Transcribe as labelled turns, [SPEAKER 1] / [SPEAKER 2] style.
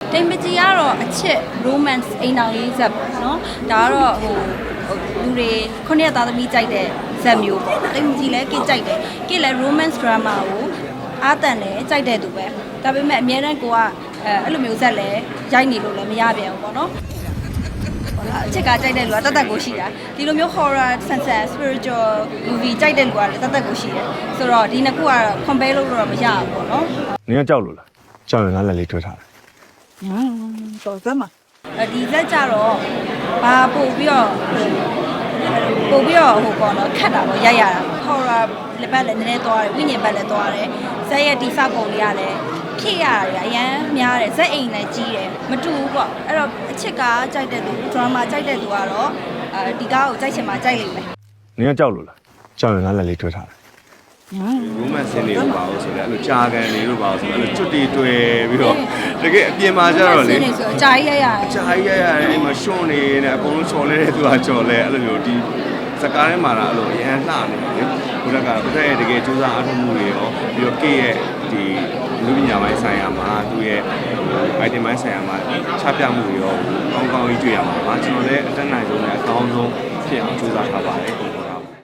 [SPEAKER 1] တိမ်ပကြီးကတော့အချစ် romance အိမ်တော်ရေးဇက်ပေါ့နော်ဒါကတော့လူတွေခုနှစ်သားသမီးကြိုက်တဲ့ဇက်မျိုးပေါ့တိမ်ပကြီးလည်းကိကြိုက်တယ်ကိလည်း romance drama ကိုအားတန်တယ်ကြိုက်တဲ့သူပဲဒါပေမဲ့အများတန်းကိုကအဲ့လိုမျိုးဇက်လည်းရိုက်နေလို့လည်းမရပြန်ဘူးပေါ့နော်အချစ်ကကြိုက်တဲ့လူကတတ်ကိုရှိတာဒီလိုမျိုး horror sunset spiritual movie ကြိုက်တဲ့လူကလည်းတတ်ကိုရှိတယ်ဆိုတော့ဒီနှစ်ခုကတော့ compare လုပ်လို့တော့မရဘူးပေါ့နော်
[SPEAKER 2] နင်ကကြောက်လို့လားကြောက်ရင်ငါလက်လေးတွေ့ထားတယ်
[SPEAKER 3] တော်စမ်းပါ
[SPEAKER 1] ဒီဇက်ကြတော့ဘာပို့ပြီးတော့ဟိုပေါ့နော်ခတ်တာပေါ့ရိုက်ရတာ horror လက်ပတ်လည်းနည်းနည်းသွားတယ်ဝိညာဉ်ပတ်လည်းသွားတယ်ဇက်ရဲ့တိစပုံလေးရတယ်ဖြစ်ရတယ်အရန်များတယ်ဇက်အိမ်လည်းကြီးတယ်မတူဘူးပေါ့အဲ့တော့အချစ်ကကြိုက်တဲ့သူ drama ကြိုက်တဲ့သူကတော့ဒီကားကိုကြိုက်ချင်မှကြိုက်လိမ့်မယ်
[SPEAKER 2] နင်ကကြောက်လို့လားကြောက်ရင်ငါလက်လေးတွေ့ထားတယ်
[SPEAKER 4] romance ဆင်းနေလို့ပါလို့ဆိုတော့အဲ့လိုကြာကန်နေလို့ပါလို့ဆိုတော့အဲ့လိုကျွတ်တီတွေ့ပြီးတော့တကယ်အပြင်မှာကျတော့လေ
[SPEAKER 1] ဆိုကြာကြီးရရတယ်
[SPEAKER 4] ကြာကြီးရရတယ်အိမ်မှာရှွန့်နေနေအကုန်လုံးချော်လဲတဲ့သူကချော်လဲအဲ့လိုမျိုးဒီစကားထဲမှာတော့အဲ့လိုအရန်လှနေတယ်ဘုရားကဘုရားရဲ့တကယ်စူးစမ်းအားထုတ်မှုတွေရောပြီးတော့ကေရဲ့ဒီလူပညာပိုင်းဆိုင်ရာမှာသူ့ရဲ့ item ပိုင်းဆိုင်ရာမှာချပြမှုတွေရောကောင်းကောင်းကြီးတွေ့ရမှာပါကျွန်တော်လည်းအတက်နိုင်ဆုံးနဲ့အကောင်းဆုံးဖြစ်အောင်စူးစမ်းထားပါတယ်